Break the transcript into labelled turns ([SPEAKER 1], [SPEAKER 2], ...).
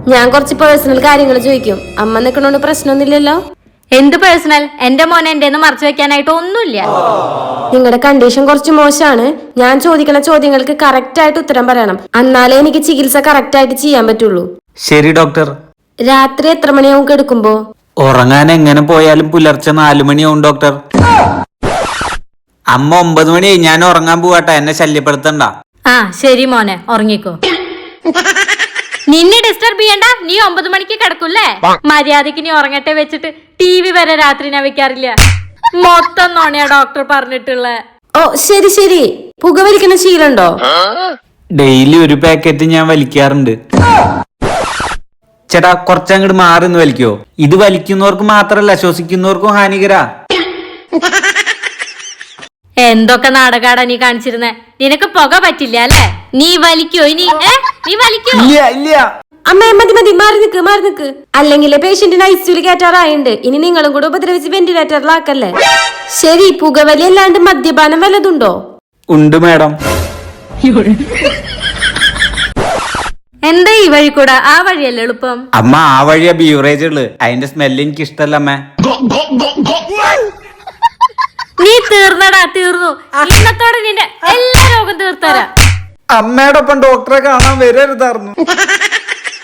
[SPEAKER 1] ഞാൻ കുറച്ച് പേഴ്സണൽ കാര്യങ്ങൾ ചോദിക്കും. അമ്മ നിക്കണോണ്ട് പ്രശ്നമൊന്നുമില്ലല്ലോ?
[SPEAKER 2] എന്ത് പേഴ്സണൽ? എന്റെ മോനെ എന്റെ മറച്ചു വെക്കാനായിട്ട് ഒന്നുമില്ല.
[SPEAKER 1] നിങ്ങളുടെ കണ്ടീഷൻ കുറച്ച് മോശമാണ്. ഞാൻ ചോദിക്കുന്ന ചോദ്യങ്ങൾക്ക് കറക്റ്റ് ആയിട്ട് ഉത്തരം പറയണം. എന്നാലേ എനിക്ക് ചികിത്സ കറക്റ്റ് ആയിട്ട് ചെയ്യാൻ പറ്റുള്ളൂ.
[SPEAKER 3] ശരി ഡോക്ടർ.
[SPEAKER 1] രാത്രി എത്ര മണിയാവും കിടക്കുമ്പോ?
[SPEAKER 3] ഉറങ്ങാൻ എങ്ങനെ പോയാലും പുലർച്ചെ 4 മണിയാവും ഡോക്ടർ. അമ്മ 9 മണിയായി, ഞാൻ ഉറങ്ങാൻ പോവാട്ടെ, എന്നെ ശല്യപ്പെടുത്തണ്ട.
[SPEAKER 2] ആ ശരി മോനെ, ഉറങ്ങിക്കോ. നിന്നെ ഡിസ്റ്റർബ് ചെയ്യണ്ട. നീ 9 മണിക്ക് കിടക്കൂല്ലേ? മര്യാദക്ക് നീ ഉറങ്ങട്ടെ വെച്ചിട്ട് TV വരെ രാത്രി ഞാൻ വെക്കാറില്ല. മൊത്തം നോണയാ ഡോക്ടർ പറഞ്ഞിട്ടുള്ള.
[SPEAKER 1] ഓ ശരി ശരി. പുകവലിക്കുന്ന ശീലമുണ്ടോ?
[SPEAKER 3] ഡെയിലി ഒരു പാക്കറ്റ് ഞാൻ വലിക്കാറുണ്ട്. ചേട്ടാ കുറച്ചങ്ങോട്ട് മാറിന്ന് വലിക്കോ? ഇത് വലിക്കുന്നവർക്ക് മാത്രല്ല, ശ്വസിക്കുന്നവർക്കും ഹാനികരാ.
[SPEAKER 2] എന്തൊക്കെ നാടകാടാ നീ കാണിച്ചിരുന്നേ? നിനക്ക് പുക പറ്റില്ല അല്ലേ? നീ വലിക്കോ ഇനി? നീ വലിക്കോ?
[SPEAKER 3] ഇല്ല.
[SPEAKER 1] അമ്മ മതി മതി, മാറി നിക്ക്. അല്ലെങ്കിൽ പേഷ്യന്റിന് ICUല് കയറ്റാറായുണ്ട്. ഇനി നിങ്ങളും കൂടെ ഉപദ്രവിച്ച് വെന്റിലേറ്ററിലാക്കല്ലേ. ശരി, പുകവലി അല്ലാണ്ട് മദ്യപാനം വല്ലതുണ്ടോ?
[SPEAKER 3] ഉണ്ട് മാഡം.
[SPEAKER 2] എന്താ ഈ വഴി കൂടെ? ആ വഴിയല്ലേ എളുപ്പം?
[SPEAKER 3] അമ്മ ആ വഴിയാ ബീവറേജ് ഉള്ളത്. അതിന്റെ സ്മെല്ല് എനിക്ക് ഇഷ്ടല്ല അമ്മ.
[SPEAKER 2] നീ തീർന്നടാ, തീർന്നു. ഇന്നത്തോടെ നിന്റെ എല്ലാ രോഗം തീർത്തരാ.
[SPEAKER 3] അമ്മയോടൊപ്പം ഡോക്ടറെ കാണാൻ വരരുതായിരുന്നു.